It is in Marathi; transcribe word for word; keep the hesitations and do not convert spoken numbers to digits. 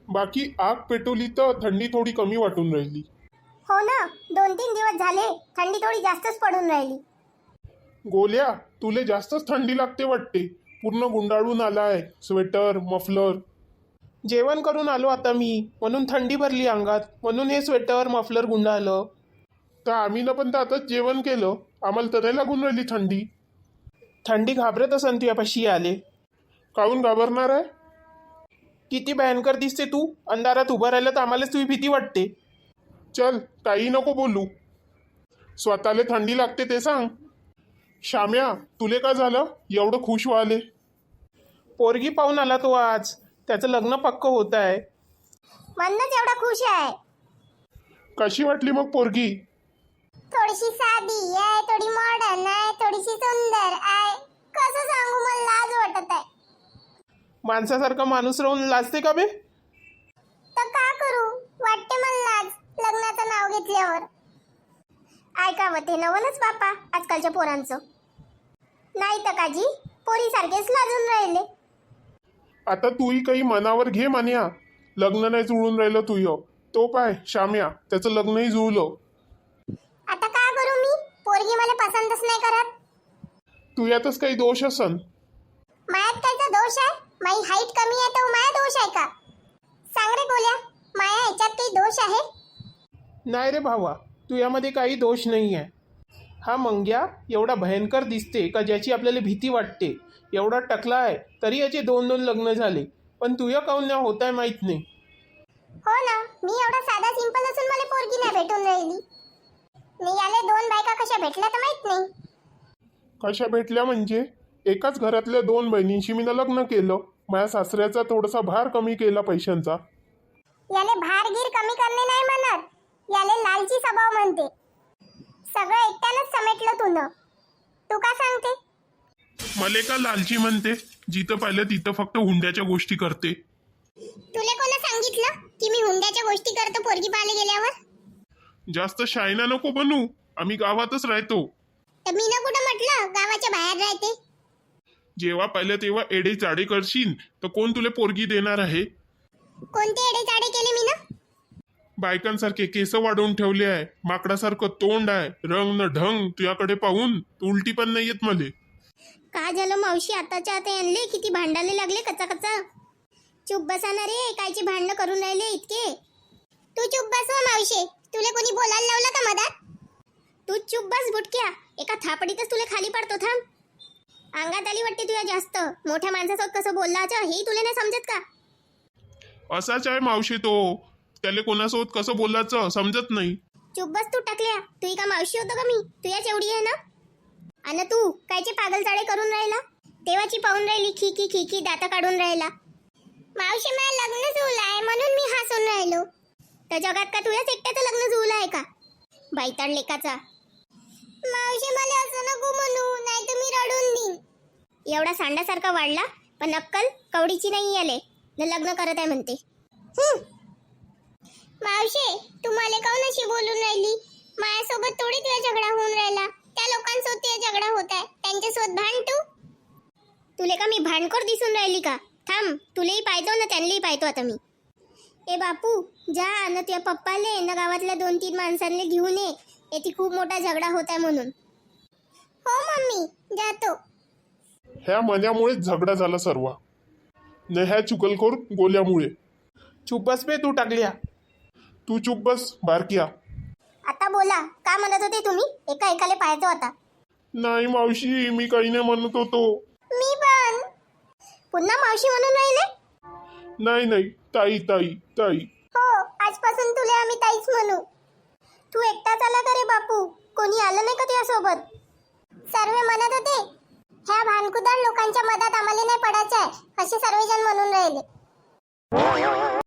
बाकी आग पेटवली तर थंडी थोडी कमी वाटून राहिली. हो ना, दोन तीन दिवस झाले थंडी थोडी जास्तच पडून राहिली. गोल्या, तुले जास्तच थंडी लागते वाटते. पूर्ण गुंडाळून आलाय, स्वेटर मफलर. जेवण करून आलो आता मी, म्हणून थंडी भरली अंगात, म्हणून हे स्वेटर मफलर गुंडाळलं. तर आम्ही ना पण तर आताच जेवण केलं, आम्हाला तर नाही लागून राहिली थंडी. थंडी घाबरत असन तुझ्यापाशी आले. काहून घाबरणार आहे? किती भयंकर दिसते तू, अंधारात उभं राहिलं तर आम्हालाच तुझी भीती वाटते. चल, काही नको बोलू. स्वतःला थंडी लागते ते सांग. श्याम्या, तुले का झालं एवढं खुश व्हाले? पोरगी पाहून आला तो आज, त्याचं लग्न पक्क होत आहे. म्हणूनच एवढा खुश आहे. कशी वाटली मग पोरगी? थोडीशी साधी आहे, थोडी मॉडर्न आहे, थोडीशी सुंदर आहे. कसं सांगू, मला लाज वाटत आहे. माणसासारखा माणूस राहून लाजते का बे? तर का करू, वाटते मला लाज लग्नाचं नाव घेतल्यावर. ऐकावं ते नवलच बापा आजकालच्या पोरांचं. नाही तर काजी, पोरीसारखेच लाजून राहिले. आता तूही काही मनावर घे मान्या. लग्न नाही जुळून राहिलं तुय. तो पाय श्याम्या, त्याचं लग्नही जुळलं. आता का करू मी, पोरगी मला पसंतच नाही करत. तू यातच काही दोष असन. मायात कायचा दोष आहे? माझी हाईट कमी आहे तर माया दोष आहे का? सांग रे गोल्या, माया ह्याच्यात काही दोष आहे? नाही रे भावा, तू यामध्ये काही दोष नाही आहे. हा मंग्या एवढा भयंकर दिसते का ज्याची आपल्याला भीती वाटते. एवढा टकला आहे तरी याचे दोन दोन लग्न झाले, पण तुझ्या काहून नाही होत आहे माहीत नाही. हो ना, मी एवढा साधा सिंपल असून मला पोरगी नाही भेटून राहिली. मी याले दोन बायका कशा भेटल्या तर माहित नाही. कशा भेटल्या म्हणजे? एकाच घरातल्या दोन बहिणींशी मी लग्न केलं. माझ्या सासऱ्याचा थोडासा भार कमी केला पैशांचा. याले भारगीर कमी करणे नाही म्हणत, याले लालची स्वभाव म्हणते. सगळं एकट्यानंच समेटलं तू न. तू का सांगते? मले का लालची म्हणते? जिथं पाहिलं तिथं फक्त हुंड्याच्या गोष्टी करते. तुले कोणा सांगितलं की मी हुंड्याच्या गोष्टी करतो पोरगी पाहायला गेल्यावर? जास्त शायना नको बनू, आम्ही गावातच राहतो. तर मी ना कुठं म्हटलं गावाच्या बाहेर राहते? जेव्हा पाहिलं तेव्हा एडे चाडे करशील तर कोण तुला पोरगी देणार आहे? कोणते एडे चाडे केले मी ना? बायकांसारखे केस वाढवून ठेवले आहे, माकडासारखं तोंड आहे, रंग न ढंग तुझ्याकडे पाहून उलटी पण नाही येत मले. का झालं मावशी, आताच्या आता आणले किती भांडायला लागले कच्चा कच्चा. चुप बसा ना रे, कायचे भांडणं करून राहिले इतके. तू चुप बस हो मावशी, तुला कोणी बोलायला लावलं का मधात? तू चुप बस बुटक्या, एका थापडीतच तुला खाली पडतो. थांब, अंगात आली वाटते तुझ्या जास्त. मोठ्या माणसासोबत कसं बोललाचं हे तुला नाही समजत का? असाच आहे मावशी तो, त्याला कोणासोबत कसं बोलायचं समजत नाही. चुप बस तू टाकल्या, तुही का मावशी होतो का मी? तू याच एवढी आहे ना? आणि तू कायचे पागल चाळे करून राहिला? तेव्हाची पाहून राहिली खिकी खिकी दाता काढून राहिला. मावशी मला लग्न जुळलं आहे म्हणून मी हसून राहिलो. त्या जगात का तुझ्याच एकट्याचं लग्न जुळलं आहे का? बाईताड लेकाचा. मावशी मला असं नको म्हणू, नाही तर मी रडून देईन. एवढा सांडासारखा वाढला पण अक्कल कवडीची नाही आले, लग्न करत आहे म्हणते. मावशी, तू मला काऊन अशी बोलून राहिली? माझ्यासोबत थोडी तुझा झगडा होऊन राहिला, त्या लोकांसोबत तुझा झगडा होत आहे, त्यांच्यासोबत भांड तू. तुले का मी भांडखोर दिसून राहिली का? थांब, तुलेही पाहतो ना त्यांनाही पाहतो आता मी. ए बापू, जा ना तुझ्या पप्पाले ना गावातल्या दोन तीन माणसांना घेऊन ये, येथे खूप मोठा झगडा होत आहे म्हणून. हो मम्मी, जातो. ह्या मन्यामुळेच झगडा झाला सर्व, न ह्या चुकलखोर गोल्यामुळे. चुप बस बे तू टाकल्या. तू चुप बस बारकिया. आता बोला, का म्हणत होते तुम्ही? एका एकाले पाहतो आता. नाही मावशी, मी काही नाही म्हणत होतो. मी पण. पुन्हा मावशी म्हणून राहिले? नाही नाही, ताई ताई ताई. हो, आजपासून तुला आम्ही ताईच म्हणू. तू एकटाच आला का रे बापू? कोणी आलं नाही का तुझ्यासोबत? सर्व म्हणत होते ह्या भानकुदार लोकांच्या मधात आम्हाला नाही पडायचं आहे, असे सर्वजण म्हणून राहिले.